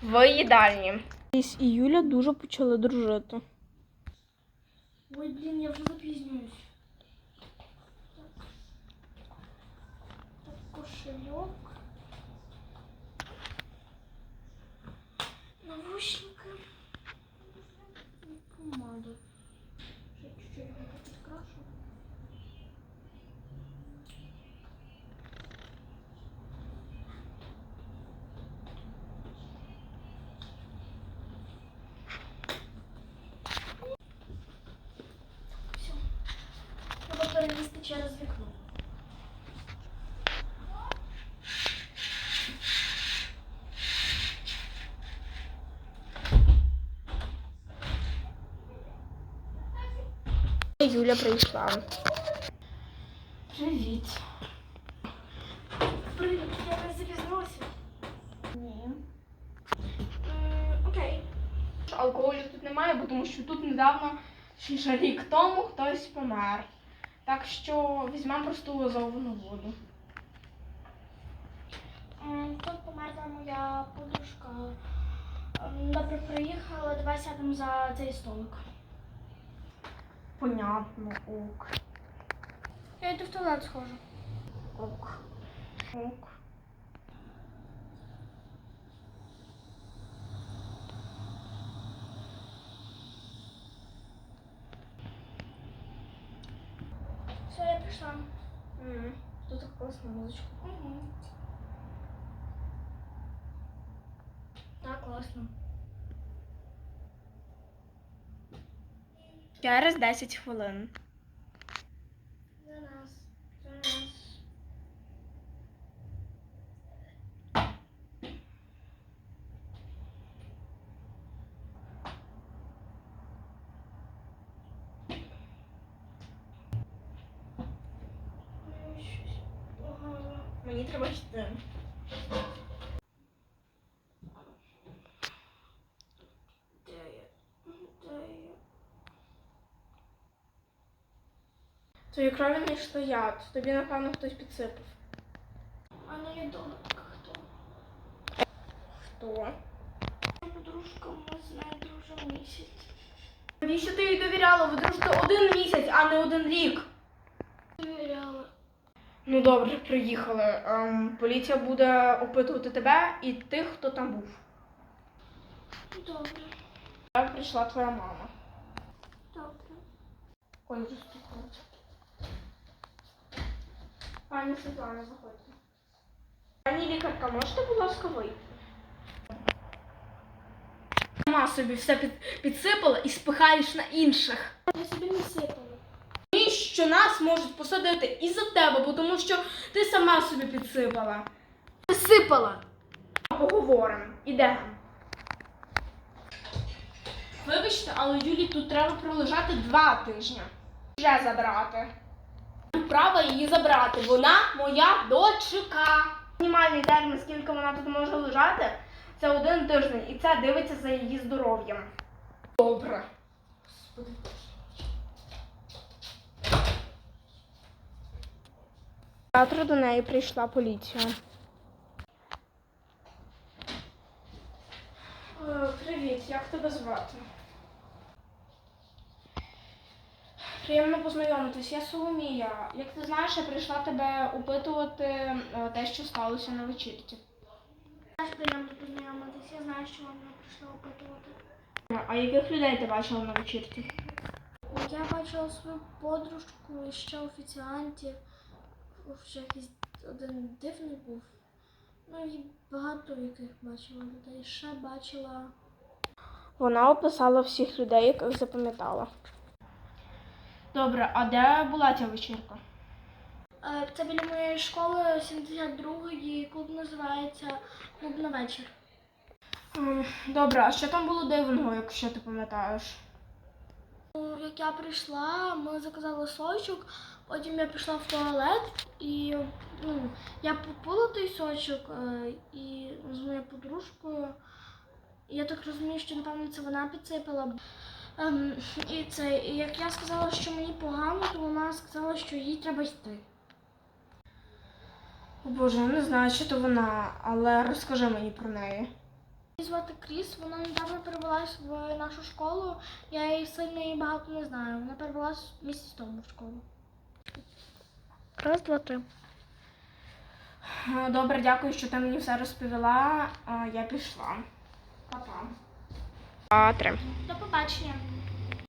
в їдальні. І Юля дуже почали дружити. Ой, блін, я вже запізнююсь. Так, кошельок. Навушники. Помада. Ще чуть-чуть його підкрашу. Все. Треба перелізти через вікно. Юля прийшла. Привіт. Привіт, я не запізнилася? Ні. Окей. Алкоголю тут немає, бо тому що тут недавно, ще рік тому, хтось помер. Так що візьмемо просто газовану воду. Тут померла моя подружка. Добре, приїхала, давай сядемо за цей столик. Понятно, ок. Я йду в туалет схожу. Ок. Ок. Все, я прийшла. Тут так класна музичка. Угу. Так, класно. Через 10 хвилин. За нас. За нас. Щось погано. Мені треба йти. Де я? Де я? Твої крові не йшло яд. Тобі, напевно, хтось підсипав. А ну я догадка, хто? Хто? Моя подружка, ми з нею дружимо місяць. Навіщо ти їй довіряла? Ви дружите 1 місяць, а не 1 рік. Довіряла. Ну добре, приїхали. Поліція буде опитувати тебе і тих, хто там був. Добре. Так прийшла твоя мама. Добре. Ой, вже стукають. Пані Світлана, заходьте. Пані лікарка, можете, будь ласка, вийти? Сама собі все підсипала і спихаєш на інших. Я собі не сипала. І що нас можуть посадити із-за тебе, бо тому що ти сама собі підсипала. Сипала. Поговоримо. Ідемо. Вибачте, але Юлі тут треба пролежати 2 тижні. Вже забрати. Право її забрати. Вона моя дочка. Мінімальний термін, скільки вона тут може лежати, це 1 тиждень. І це дивиться за її здоров'ям. Добре. Господи. Завтра до неї прийшла поліція. Привіт, як тебе звати? Приємно познайомитись, я Соломія. Як ти знаєш, я прийшла тебе опитувати те, що сталося на вечірці. Теж приємно познайомитись. Я знаю, що вона прийшла опитувати. А яких людей ти бачила на вечірці? Я бачила свою подружку і ще офіціантів. Ще якийсь один дивний був. Ну і багато яких бачила людей. Ще бачила. Вона описала всіх людей, яких запам'ятала. Добре, а де була ця вечірка? Це біля моєї школи 72-ї, клуб називається «Клуб на вечір». Добре, а що там було дивного, якщо ти пам'ятаєш? Як я прийшла, ми заказали сочок, потім я пішла в туалет і я попила той сочок і з моєю подружкою. Я так розумію, що, напевно, це вона підсипала. І як я сказала, що мені погано, то вона сказала, що їй треба йти. О Боже, я не знаю, чи то вона, але розкажи мені про неї. Її звати Кріс, вона недавно перевелась в нашу школу. Я її сильно і багато не знаю. Вона перевелась місяць тому в школу. Раз, два, три. Добре, дякую, що ти мені все розповіла. Я пішла. Па-па. 2, 3. До побачення.